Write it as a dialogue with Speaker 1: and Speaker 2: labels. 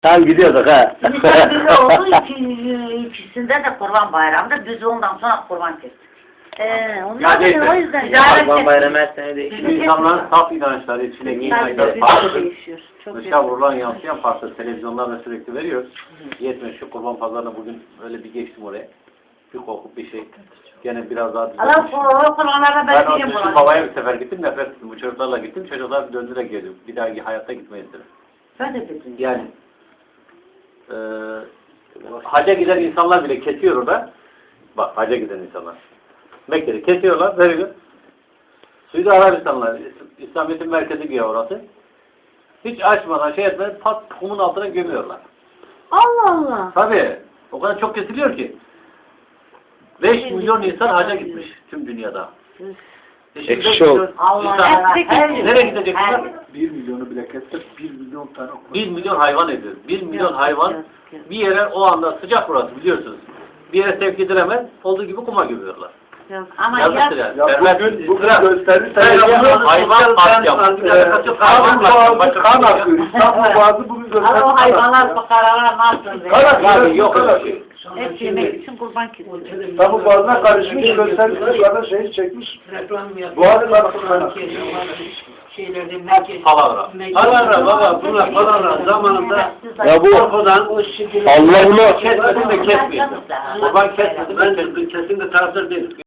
Speaker 1: Tam gidiyorduk ha.
Speaker 2: Nisan düzü oldu, ikisinde de Kurban Bayramı'nda düzü ondan sonra kurban kestik.
Speaker 3: Ya neyse.
Speaker 2: O yüzden
Speaker 1: Kurban bayramı her sene değişiyor.
Speaker 3: İnsanların saf inançları içine giyin ayları
Speaker 2: Tabii,
Speaker 3: farklı.
Speaker 2: değişiyor. Çok
Speaker 3: Dışa vurulan yansıyan farklı. Televizyonlarda sürekli veriyoruz. Yetmiyor şu kurban pazarına bugün öyle bir geçtim oraya. Bir kokup bir şey. Gene biraz daha
Speaker 2: Allah
Speaker 3: düzelmiş.
Speaker 2: Kurbanlarda
Speaker 3: Ben
Speaker 2: ben
Speaker 3: o
Speaker 2: değilim
Speaker 3: düşün
Speaker 2: buranın.
Speaker 3: babaya bir sefer gittim, nefret ettim. Bu çocuklarla gittim, çocuklar döndüre geliyor. Bir daha hayatta gitmeyiz dedim.
Speaker 2: Ben de dedim.
Speaker 3: Yani haca giden insanlar bile kesiyor orada. Bak haca giden insanlar. Mekke'de kesiyorlar, veriyor. Suudi Arabistanlar, İslamiyet'in merkezi bir yer orası. Hiç açmadan şey etmeden pat kumun altına gömüyorlar.
Speaker 2: Allah Allah.
Speaker 3: Tabii. O kadar çok kesiliyor ki. 5 milyon insan haca gitmiş tüm dünyada.
Speaker 1: Ekşi ol.
Speaker 2: Allah
Speaker 3: İnsan-
Speaker 2: Allah.
Speaker 3: Nereye gidecek bunlar?
Speaker 4: 1 milyonu bile kessek 1 milyon tane okuma.
Speaker 3: 1 milyon hayvan ediyor. 1 milyon hayvan bir yere o anda sıcak burası biliyorsunuz. Bir yere sevk edilemez. Olduğu gibi kuma gömüyorlar.
Speaker 2: Ama
Speaker 3: Yazıktır
Speaker 2: ya
Speaker 3: yani.
Speaker 4: Ya
Speaker 3: Vermez-
Speaker 4: bugün
Speaker 3: İsra-
Speaker 4: gösterirsen
Speaker 3: hayvan katliamı.
Speaker 4: İstanbul Boğazı kan akıyor. İstanbul Boğazı bugün gösterirsen
Speaker 2: o hayvanlar fukaralar nasıl?
Speaker 4: Kan akıyor.
Speaker 3: Yani yok öyle bir şey.
Speaker 2: Hep yemek için kurban kesiyor.
Speaker 4: İstanbul Boğazı'na karışmış gösterirsen şu anda şehir çekmiş. Boğazı karışmış.
Speaker 5: Şeylerde merkez.
Speaker 3: Palavra.
Speaker 5: Palavra baba bunlar palavra zamanında
Speaker 1: Ya bu
Speaker 5: korkudan o şekilde
Speaker 1: Allah'ıma
Speaker 3: Kesmedim de kesmeyeceğim. Kurban kesmedim de kestim. Kesin de taraftar değil.